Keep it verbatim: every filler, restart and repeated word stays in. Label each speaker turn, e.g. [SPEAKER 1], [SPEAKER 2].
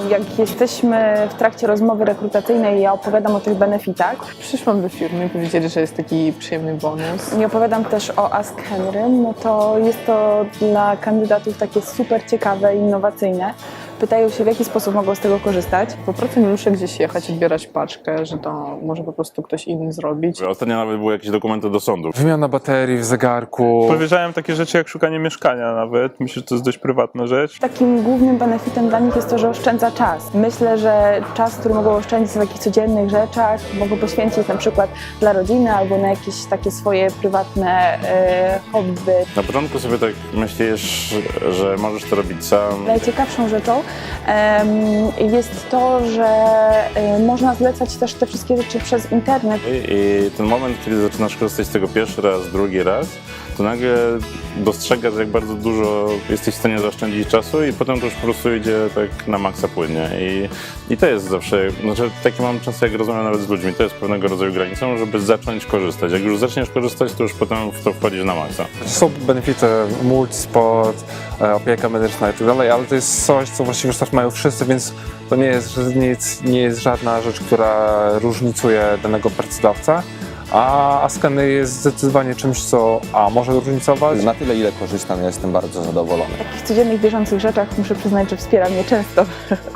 [SPEAKER 1] jak jesteśmy w trakcie rozmowy rekrutacyjnej, ja opowiadam o tych benefitach.
[SPEAKER 2] Przyszłam do firmy i powiedzieli, że jest taki przyjemny bonus.
[SPEAKER 1] I opowiadam też o Ask Henry, no to jest to dla kandydatów takie super ciekawe i innowacyjne. Pytają się, w jaki sposób mogą z tego korzystać.
[SPEAKER 2] Po prostu nie muszę gdzieś jechać, odbierać paczkę, że to może po prostu ktoś inny zrobić.
[SPEAKER 3] Ostatnio nawet były jakieś dokumenty do sądu.
[SPEAKER 4] Wymiana baterii w zegarku.
[SPEAKER 5] Powiedziałem takie rzeczy jak szukanie mieszkania nawet. Myślę, że to jest dość prywatna rzecz.
[SPEAKER 1] Takim głównym benefitem dla nich jest to, że oszczędza czas. Myślę, że czas, który mogą oszczędzić w takich codziennych rzeczach, mogą poświęcić na przykład dla rodziny albo na jakieś takie swoje prywatne e, hobby.
[SPEAKER 3] Na początku sobie tak myślisz, że możesz to robić sam.
[SPEAKER 1] Najciekawszą rzeczą em, jest to, że e, można zlecać też te wszystkie rzeczy przez internet.
[SPEAKER 3] I ten moment, kiedy zaczynasz korzystać z tego pierwszy raz, drugi raz, to nagle dostrzegasz, jak bardzo dużo jesteś w stanie zaoszczędzić czasu i potem to już po prostu idzie tak na maksa płynnie. I, i to jest zawsze, znaczy takie mam często, jak rozmawiam nawet z ludźmi, to jest pewnego rodzaju granicą, żeby zacząć korzystać. Jak już zaczniesz korzystać, to już potem w to wchodzisz na maksa.
[SPEAKER 4] Są benefity, multisport, e, opieka medyczna i tak dalej, ale to jest coś, co właściwie już też mają wszyscy, więc to nie jest, nic, nie jest żadna rzecz, która różnicuje danego pracodawcę. A Ask Henry jest zdecydowanie czymś, co a może różnicować.
[SPEAKER 6] Na tyle, ile korzystam, ja jestem bardzo zadowolony.
[SPEAKER 1] W takich codziennych, bieżących rzeczach muszę przyznać, że wspiera mnie często.